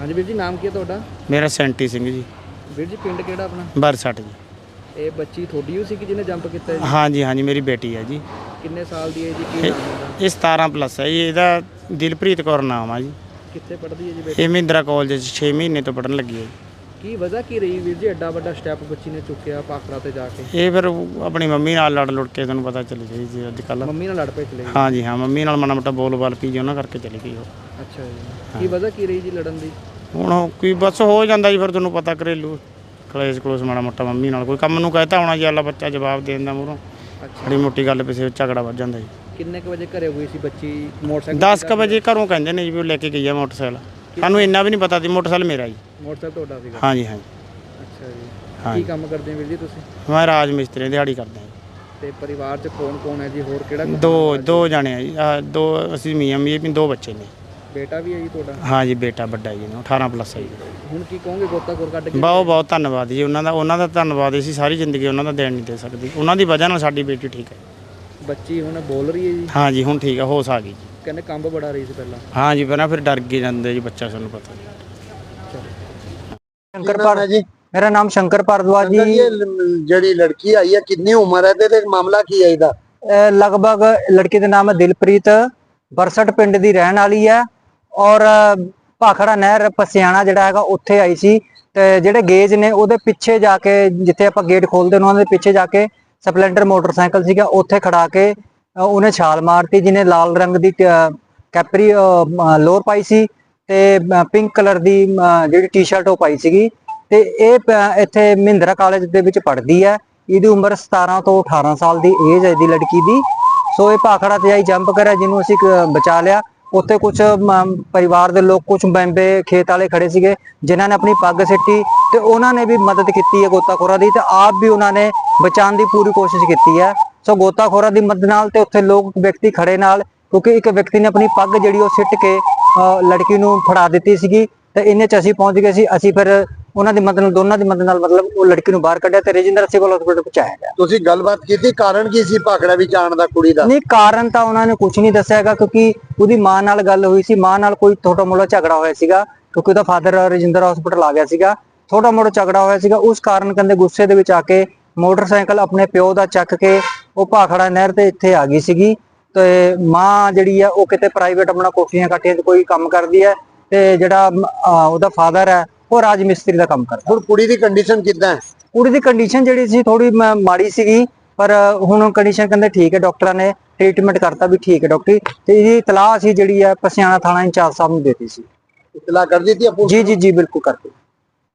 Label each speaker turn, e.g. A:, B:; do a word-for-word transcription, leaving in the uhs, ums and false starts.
A: हाँ जी वीर जी, नाम की है तुहाडा?
B: मेरा सैंटी सिंह जी।
A: वीर जी पिंड किहड़ा अपना?
B: बरसठ जी।
A: ये बच्ची थोड़ी ही सी कि जिन्हें जंप किया जी?
B: हाँ जी हाँ जी, मेरी बेटी है जी।
A: किन्ने साल दी है जी? की नाम है?
B: ये सतारह प्लस है जी। ਇਹਦਾ ਦਿਲਪ੍ਰੀਤ ਕੌਰ ਨਾਮ ਆ ਜੀ।
A: कित्थे पढ़दी है जी बेटी?
B: ਇਹ ਮਹਿੰਦਰਾ ਕਾਲਜ ਚ छे ਮਹੀਨੇ ਤੋਂ ਪੜਨ ਲੱਗੀ ਹੈ ਜੀ।
A: की वजह की रही वीर जी एडा वड्डा स्टैप बच्ची ने चुक्या भाखड़ा ते जाके?
B: ਇਹ ਫਿਰ ਆਪਣੀ ਮੰਮੀ ਨਾਲ ਲੜ ਲੁੜ ਕੇ ਤੁਹਾਨੂੰ ਪਤਾ ਚੱਲ ਗਈ ਜੀ ਅੱਜ ਕੱਲ੍ਹ।
A: मम्मी नाल लड़ पे चले गई?
B: ਹਾਂ ਜੀ ਹਾਂ, ਮੰਮੀ ਨਾਲ ਮਾੜਾ ਮੋਟਾ ਬੋਲ ਬਾਲ ਪੀ ਜੀ ਉਹਨਾਂ ਕਰਕੇ ਚਲੀ ਗਈ ਉਹ।
A: अच्छा जी, की वजह की रही जी लड़न दी?
B: ਹੁਣ ਉਹ ਕੋਈ ਬਸ ਹੋ ਜਾਂਦਾ ਜੀ, ਫਿਰ ਤੁਹਾਨੂੰ ਪਤਾ ਘਰੇਲੂ ਕਲੇਸ਼ ਕਲੋਸ ਮਾੜਾ ਮੋਟਾ ਮੰਮੀ ਨਾਲ ਕੋਈ ਕੰਮ ਨੂੰ ਕਹਿਤਾ ਹੋਣਾ ਜੀ, ਅੱਲਾ ਬੱਚਾ ਜਵਾਬ ਦੇਣ ਦਾ ਮੂਹਰੋਂ ਬੜੀ ਮੋਟੀ ਗੱਲ ਪਿੱਛੇ ਝਗੜਾ ਵੱਜ ਜਾਂਦਾ ਜੀ।
A: ਕਿੰਨੇ ਕੁ ਵਜੇ ਘਰੇ ਹੋਈ ਸੀ ਬੱਚੀ? ਮੋਟਰਸਾਈਕਲ
B: ਦਸ ਕੁ ਵਜੇ ਘਰੋਂ ਕਹਿੰਦੇ ਨੇ ਜੀ ਵੀ ਉਹ ਲੈ ਕੇ ਗਈ ਆ ਮੋਟਰਸਾਈਕਲ। ਸਾਨੂੰ ਇੰਨਾ ਵੀ ਨਹੀਂ ਪਤਾ ਸੀ ਮੋਟਰਸਾਈਕਲ ਮੇਰਾ ਜੀ।
A: ਮੋਟਰਸਾਈਕਲ ਤੁਹਾਡਾ ਸੀਗਾ?
B: ਹਾਂ ਜੀ ਹਾਂ ਜੀ।
A: ਅੱਛਾ ਜੀ,
B: ਹਾਂ
A: ਕੀ ਕੰਮ ਕਰਦੇ ਹੋ ਵੀਰ ਜੀ ਤੁਸੀਂ?
B: ਮੈਂ ਰਾਜ ਮਿਸਤਰੀ ਦਿਹਾੜੀ ਕਰਦਾ ਜੀ।
A: ਤੇ ਪਰਿਵਾਰ 'ਚ ਕੌਣ ਕੌਣ ਹੈ ਜੀ? ਹੋਰ ਕਿਹੜਾ?
B: ਦੋ ਦੋ ਜਣੇ ਆ ਜੀ। ਆਹ ਦੋ ਅਸੀਂ ਮੀਆਂ ਮੀਆਂ ਵੀ ਦੋ ਬੱਚੇ ਨੇ।
A: ਬੇਟਾ ਵੀ ਹੈ ਜੀ ਤੁਹਾਡਾ?
B: ਹਾਂ ਜੀ, ਬੇਟਾ ਵੱਡਾ ਜੀ, ਅਠਾਰਾਂ ਪਲੱਸ ਹੈ ਜੀ।
A: ਹੁਣ ਕੀ ਕਹੋਗੇ ਗੋਤਾਖੋਰ ਕੱਢ ਕੇ?
B: ਬਹੁਤ ਬਹੁਤ ਧੰਨਵਾਦ ਜੀ ਉਹਨਾਂ ਦਾ। ਉਹਨਾਂ ਦਾ ਧੰਨਵਾਦ ਅਸੀਂ ਸਾਰੀ ਜ਼ਿੰਦਗੀ ਉਹਨਾਂ ਦਾ ਦੇਣ ਨਹੀਂ ਦੇ ਸਕਦੇ। ਉਹਨਾਂ ਦੀ ਵਜ੍ਹਾ ਨਾਲ ਸਾਡੀ ਬੇਟੀ ਠੀਕ ਹੈ।
A: ਬੱਚੀ ਹੁਣ ਬੋਲ ਰਹੀ ਹੈ ਜੀ?
B: ਹਾਂ ਜੀ ਹੁਣ ਠੀਕ ਹੈ, ਹੋਸ਼ ਆ ਗਈ ਜੀ।
A: ਕਹਿੰਦੇ ਕੰਬ ਬੜਾ ਰਹੀ ਸੀ ਪਹਿਲਾਂ?
B: ਹਾਂ ਜੀ, ਪਹਿਲਾਂ ਫਿਰ ਡਰ ਕੇ ਜਾਂਦੇ ਜੀ ਬੱਚਾ, ਸਾਨੂੰ ਪਤਾ ਜੀ।
C: शंकर पार जी, मेरा नाम शंकर भारद्वाज जी।
D: ये जड़ी लड़की आई है कितनी उम्र है ते मामला की है इहदा?
C: लगभग लड़की का नाम है दिलप्रीत, बरसठ पिंड दी रहन वाली है और भाखड़ा नहर पसियाना जिहड़ा हैगा उत्थे आई सी ते जिहड़े गेज ने ओहदे पिछे जाके जिथे आपां गेट खोलदे ने उहदे पिछे जाके स्पलेंडर मोटरसाइकिल सीगा उत्थे खड़ा के उहने छाल मारती, जिन्हें लाल रंग दी कैपरी लोअर पाई सी ते पिंक कलर दी जिहड़ी टी शर्ट ਉਹ ਪਾਈ ਸੀਗੀ ਤੇ ਇਹ ਇੱਥੇ ਮਹਿੰਦਰਾ ਕਾਲਜ ਦੇ ਵਿੱਚ ਪੜ੍ਹਦੀ ਹੈ। ਇਹਦੀ ਉਮਰ ਸਤਾਰਾਂ ਤੋਂ ਅਠਾਰਾਂ ਸਾਲ ਦੀ ਏਜ ਹੈ ਇਹਦੀ ਲੜਕੀ ਦੀ। ਸੋ ਇਹ ਭਾਖੜਾ ਤੇ ਆਈ ਜੰਪ ਕਰਿਆ, ਜਿਹਨੂੰ ਅਸੀਂ ਬਚਾ ਲਿਆ। ਉੱਥੇ ਕੁਝ ਪਰਿਵਾਰ ਦੇ ਲੋਕ, ਕੁਝ ਮੈਂਬੇ ਖੇਤ ਵਾਲੇ ਖੜੇ ਸੀਗੇ ਜਿਨ੍ਹਾਂ ਨੇ ਆਪਣੀ ਪੱਗ ਸਿੱਟੀ ਤੇ ਉਹਨਾਂ ਨੇ ਵੀ ਮਦਦ ਕੀਤੀ ਹੈ ਗੋਤਾਖੋਰਾਂ ਦੀ, ਤੇ ਆਪ ਵੀ ਉਹਨਾਂ ਨੇ ਬਚਾਉਣ ਦੀ ਪੂਰੀ ਕੋਸ਼ਿਸ਼ ਕੀਤੀ ਹੈ। ਸੋ ਗੋਤਾਖੋਰਾਂ ਦੀ ਮਦਦ ਨਾਲ ਤੇ ਉੱਥੇ ਲੋਕ ਵਿਅਕਤੀ ਖੜੇ ਨਾਲ, ਕਿਉਂਕਿ ਇੱਕ ਵਿਅਕਤੀ ਨੇ ਆਪਣੀ ਪੱਗ ਜਿਹੜੀ ਉਹ ਸਿੱਟ ਕੇ ਲੜਕੀ ਨੂੰ ਫੜਾ ਦਿੱਤੀ ਸੀਗੀ ਤੇ ਇੰਨੇ ਚ ਅਸੀਂ ਪਹੁੰਚ ਗਏ ਸੀ। ਅਸੀਂ ਫਿਰ ਉਹਨਾਂ ਦੀ ਮਦਦ ਨਾਲ, ਦੋਨਾਂ ਦੀ ਮਦਦ ਨਾਲ ਮਤਲਬ ਉਹ ਲੜਕੀ ਨੂੰ ਬਾਹਰ ਕੱਢਿਆ ਤੇ ਰਜਿੰਦਰ ਸਿਵਲ ਹਸਪੀਟਲ ਪਹੁੰਚਾਇਆ ਗਿਆ।
D: ਤੁਸੀਂ ਗੱਲਬਾਤ ਕੀਤੀ, ਕਾਰਨ ਕੀ ਸੀ ਭਾਖੜਾ ਵਿੱਚ ਆਉਣ ਦਾ ਕੁੜੀ ਦਾ?
C: ਨਹੀਂ, ਕਾਰਨ ਤਾਂ ਉਹਨਾਂ ਨੇ ਕੁਝ ਨਹੀਂ ਦੱਸਿਆ ਹੈਗਾ, ਕਿਉਂਕਿ ਉਹਦੀ ਮਾਂ ਨਾਲ ਗੱਲ ਹੋਈ ਸੀ। ਮਾਂ ਨਾਲ ਕੋਈ ਛੋਟਾ ਮੋਟਾ ਝਗੜਾ ਹੋਇਆ ਸੀਗਾ, ਕਿਉਂਕਿ ਉਹਦਾ ਫਾਦਰ ਰਜਿੰਦਰ ਹਸਪੀਟਲ ਆ ਗਿਆ ਸੀਗਾ। ਛੋਟਾ ਮੋਟਾ ਝਗੜਾ ਹੋਇਆ ਸੀਗਾ, ਉਸ ਕਾਰਨ ਕਹਿੰਦੇ ਗੁੱਸੇ ਦੇ ਵਿੱਚ ਆ ਕੇ ਮੋਟਰਸਾਈਕਲ ਆਪਣੇ ਪਿਓ ਦਾ ਚੱਕ ਕੇ ਉਹ ਭਾਖੜਾ ਨਹਿਰ ਤੇ ਇੱਥੇ ਆ ਗਈ ਸੀਗੀ। ਤੇ ਮਾਂ ਜਿਹੜੀ ਆ ਉਹ ਕਿਤੇ ਪ੍ਰਾਈਵੇਟ ਆਪਣਾ ਕੋਠੀਆਂ ਕਾਠੀਆਂ 'ਚ ਕੋਈ ਕੰਮ ਕਰਦੀ ਹੈ ਤੇ ਜਿਹੜਾ ਉਹਦਾ ਫਾਦਰ ਹੈ ਉਹ ਰਾਜ ਮਿਸਤਰੀ ਦਾ ਕੰਮ ਕਰਦਾ।
D: ਹੁਣ ਕੁੜੀ ਦੀ ਕੰਡੀਸ਼ਨ ਕਿੱਦਾਂ ਹੈ?
C: ਕੁੜੀ ਦੀ ਕੰਡੀਸ਼ਨ ਜਿਹੜੀ ਸੀ ਥੋੜੀ ਮਾੜੀ ਸੀਗੀ, ਪਰ ਹੁਣ ਕੰਡੀਸ਼ਨ ਕਹਿੰਦੇ ਠੀਕ ਹੈ। ਡਾਕਟਰਾਂ ਨੇ ਟ੍ਰੀਟਮੈਂਟ ਕਰਤਾ ਵੀ ਠੀਕ ਹੈ ਡਾਕਟਰੀ। ਤੇ ਇਹਦੀ ਇਤਲਾਹ ਅਸੀਂ ਜਿਹੜੀ ਹੈ ਪਸਿਆਣਾ ਥਾਣਾ ਇੰਚਾਰਜ ਸਾਹਿਬ ਨੂੰ ਦੇਤੀ ਸੀ।
D: ਇਤਲਾਹ ਕਰ ਦਿੱਤੀ?
C: ਜੀ ਜੀ ਜੀ ਬਿਲਕੁਲ ਕਰਤੀ।